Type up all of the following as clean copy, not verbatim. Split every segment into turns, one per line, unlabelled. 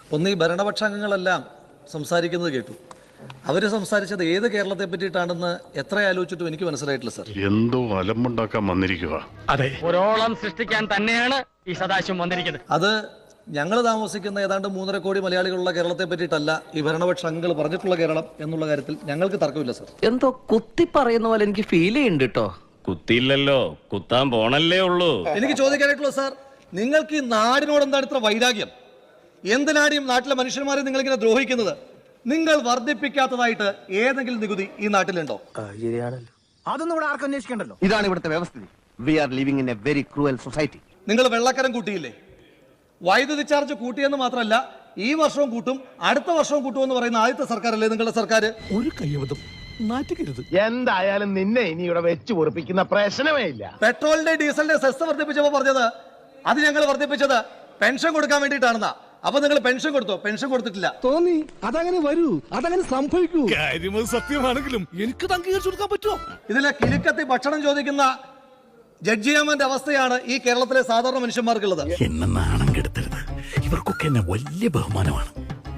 ഒന്ന് ഈ ഭരണപക്ഷാംഗങ്ങളെല്ലാം സംസാരിക്കുന്നത് കേട്ടു. അവർ സംസാരിച്ചത് ഏത് കേരളത്തെ പറ്റിയിട്ടാണെന്ന് എത്ര ആലോചിച്ചിട്ടും എനിക്ക് മനസ്സിലായിട്ടില്ല സർ.
എന്തോ അലമ്പുണ്ടാക്കാൻ വന്നിരിക്കുക.
അതെ, ഒരോളം സൃഷ്ടിക്കാൻ തന്നെയാണ് ഈ സദാശിവം വന്നിരിക്കുന്നത്.
അത് ഞങ്ങൾ താമസിക്കുന്ന ഏതാണ്ട് 3.5 കോടി മലയാളികളുള്ള കേരളത്തെ പറ്റിയിട്ടല്ല ഈ ഭരണപക്ഷ അംഗങ്ങൾ പറഞ്ഞിട്ടുള്ള കേരളം എന്നുള്ള കാര്യത്തിൽ ഞങ്ങൾക്ക് തർക്കമില്ല സർ.
എന്തോ കുത്തി പറയുന്ന പോലെ എനിക്ക് ഫീൽ ചെയ്യുന്നുണ്ട് കേട്ടോ.
കുത്തിയില്ലല്ലോ, കുത്താൻ പോണല്ലേ ഉള്ളൂ.
എനിക്ക് ചോദിക്കാനായിട്ടുള്ള സാർ, നിങ്ങൾക്ക് ഈ നാടിനോട് എന്താണ് ഇത്ര വൈരാഗ്യം? എന്തിനാണ് ഈ നാട്ടിലെ മനുഷ്യന്മാരെ നിങ്ങൾ ഇങ്ങനെ ദ്രോഹിക്കുന്നത്? നിങ്ങൾ വർദ്ധിപ്പിക്കാത്തതായിട്ട് ഏതെങ്കിലും നികുതി ഈ നാട്ടിലുണ്ടോ?
അതൊന്നും ഇവിടെ ആർക്കും അന്വേഷിക്കണ്ടല്ലോ.
ഇതാണ് ഇവിടുത്തെ വ്യവസ്ഥിതി. We are living in a very cruel society.
നിങ്ങൾ വെള്ളക്കരം കൂട്ടിയില്ലേ? വൈദ്യുതി ചാർജ് കൂട്ടിയെന്ന് മാത്രമല്ല, ഈ വർഷവും കൂട്ടും അടുത്ത വർഷവും കൂട്ടുമെന്ന് പറയുന്ന ആദ്യത്തെ സർക്കാരല്ലേ നിങ്ങളുടെ സർക്കാർ?
ഒരു കയ്യബദ്ധം നാറ്റിക്കരുത്.
എന്തായാലും നിന്നെ ഇനി ഇവിടെ വെച്ച് പൊറിപ്പിക്കുന്ന പ്രശ്നമേ ഇല്ല.
പെട്രോളിന്റെ ഡീസലിന്റെ സെസ് വർദ്ധിപ്പിച്ചപ്പോൾ പറഞ്ഞത് അത് ഞങ്ങൾ വർദ്ധിപ്പിച്ചത് പെൻഷൻ കൊടുക്കാൻ വേണ്ടിയിട്ടാണെന്നാ. അപ്പൊ നിങ്ങൾ പെൻഷൻ കൊടുത്തോ? പെൻഷൻ കൊടുത്തിട്ടില്ല.
തോന്നി അതങ്ങനെ വരൂ, അതങ്ങനെ സംഭവിക്കൂ. കാര്യം സത്യമാണെങ്കിലും എനിക്ക് അംഗീകരിച്ചു കൊടുക്കാൻ പറ്റുമോ?
ഇതിലെ കിലുക്കത്തി ഭക്ഷണം ചോദിക്കുന്ന ജഡ്ജിയാമന്റെ അവസ്ഥയാണ് ഈ കേരളത്തിലെ സാധാരണ മനുഷ്യന്മാർക്കുള്ളത്.
എന്നെ നാണം കെടുത്തരുത്. ഇവർക്കൊക്കെ എന്നെ വലിയ ബഹുമാനമാണ്.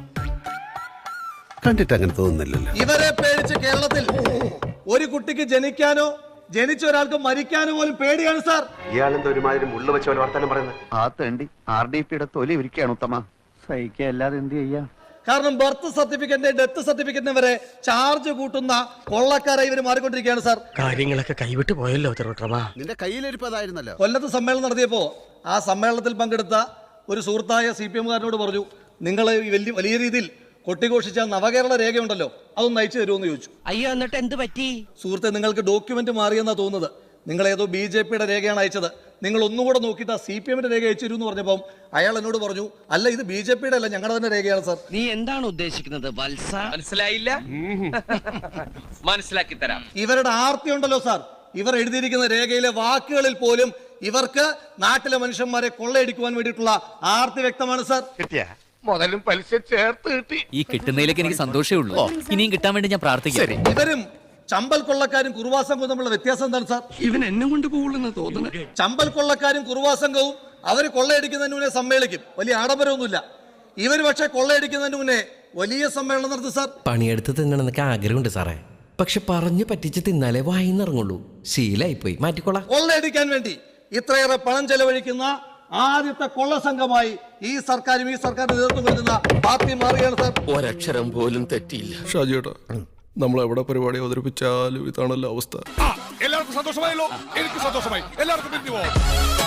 കണ്ടിട്ട് അങ്ങനെ തോന്നുന്നില്ലല്ലോ.
ഇവരെ പേടിച്ച് കേരളത്തിൽ ഒരു കുട്ടിക്ക് ജനിക്കാനോ ജനിച്ച ഒരാൾക്ക് മരിക്കാനോ പോലും പേടിയാണ് സാർ.
ഇയാളെന്താ ഒരുമാതിരി മുള്ള വെച്ച പോലെ വർത്താനം പറയുന്നത്? ആ തേണ്ടി RDPയുടെ തൊലി ഇരിക്കുകയാണ് ഉത്തമ. സഹിക്കുക അല്ലാതെ എന്ത് ചെയ്യാ?
കാരണം ബർത്ത് സർട്ടിഫിക്കറ്റിന്റെ ഡെത്ത് സർട്ടിഫിക്കറ്റിന് വരെ ചാർജ് കൂട്ടുന്ന കൊള്ളക്കാരായി ഇവർ മാറിക്കൊണ്ടിരിക്കുകയാണ് സാർ.
കാര്യങ്ങളൊക്കെ കൈവിട്ട് പോയല്ലോ തിരുവട്ടമാ.
നിന്റെ കയ്യിലിരിപ്പതായിരുന്നല്ലോ.
കൊല്ലത്ത് സമ്മേളനം നടത്തിയപ്പോ ആ സമ്മേളനത്തിൽ പങ്കെടുത്ത ഒരു സുഹൃത്തായ CPM-കാരനോട് പറഞ്ഞു, നിങ്ങൾ വലിയ രീതിയിൽ കൊട്ടിഘോഷിച്ച നവകേരള രേഖയുണ്ടല്ലോ, അതൊന്ന് അയച്ചു തരുമെന്ന് ചോദിച്ചു.
അയ്യോ, എന്നിട്ട് എന്ത് പറ്റി?
സുഹൃത്തെ, നിങ്ങൾക്ക് ഡോക്യുമെന്റ് മാറിയെന്നാ തോന്നുന്നത്. നിങ്ങൾ ഏതോ BJP-യുടെ രേഖയാണ് അയച്ചത്. നിങ്ങൾ ഒന്നുകൂടെ നോക്കിയിട്ട് ആ CPM-ന്റെ രേഖ അയച്ചു തരുമെന്ന് പറഞ്ഞപ്പം അയാൾ എന്നോട് പറഞ്ഞു, അല്ല ഇത് BJP-യുടെ അല്ല, ഞങ്ങളുടെ തന്നെ രേഖയാണ് സാർ.
നീ എന്താണ് ഉദ്ദേശിക്കുന്നത് വത്സ?
മനസ്സിലായില്ല? മനസ്സിലാക്കി തരാം.
ഇവരുടെ ആർത്തി ഉണ്ടല്ലോ സാർ, ഇവർ എഴുതിയിരിക്കുന്ന രേഖയിലെ വാക്കുകളിൽ പോലും ഇവർക്ക് നാട്ടിലെ മനുഷ്യന്മാരെ കൊള്ളയടിക്കുവാൻ വേണ്ടിയിട്ടുള്ള ആർത്തി വ്യക്തമാണ് സാർ.
മുതലും പലിശ ചേർത്ത് കിട്ടി.
ഈ കിട്ടുന്നതിലേക്ക് എനിക്ക് സന്തോഷമേ ഉള്ളൂ. ഇനിയും കിട്ടാൻ വേണ്ടി ഞാൻ പ്രാർത്ഥിക്കാം.
ഇവരും ചമ്പൽ കൊള്ളക്കാരും കുറുവാ സംഘവും തമ്മിലുള്ള വ്യത്യാസം എന്താണ് സാർ?
ഇവൻ എന്നെ കൊണ്ട് പോകുള്ളെന്ന് തോന്നുന്നത്.
ചമ്പൽ കൊള്ളക്കാരും കുറുവാ സംഘവും അവർ കൊള്ളയടിക്കുന്നതിന് മുന്നേ സമ്മേളിക്കും, വലിയ ആഡംബരമൊന്നുമില്ല. ഇവർ പക്ഷെ കൊള്ളയടിക്കുന്നതിന് മുന്നേ വലിയ സമ്മേളനം നടത്തും സാർ.
പണിയെടുത്ത് തിന്നണമെന്നൊക്കെ ആഗ്രഹമുണ്ട് സാറേ, പക്ഷെ പറഞ്ഞു പറ്റിച്ച് തിന്നാലേ വായിന്നിറങ്ങുള്ളൂ. ശീലായിപ്പോയി, മാറ്റിക്കൊള്ളാം.
കൊള്ളയടിക്കാൻ വേണ്ടി ഇത്രയേറെ പണം ചെലവഴിക്കുന്ന ആദ്യത്തെ കൊള്ള സംഘമായി ഈ സർക്കാരും ഈ സർക്കാരിന് നേതൃത്വം കൊടുക്കുന്ന പാർട്ടി മാറുകയാണ് സാർ.
ഒരക്ഷരം പോലും തെറ്റിയില്ല.
ഷാജിയേട്ടാ, നമ്മൾ എവിടെ പരിപാടി അവതരിപ്പിച്ചാലും ഇതാണല്ലോ അവസ്ഥ.
എല്ലാവർക്കും സന്തോഷമായല്ലോ. എനിക്ക് സന്തോഷമായി. എല്ലാവർക്കും പിരിഞ്ഞു പോവാം.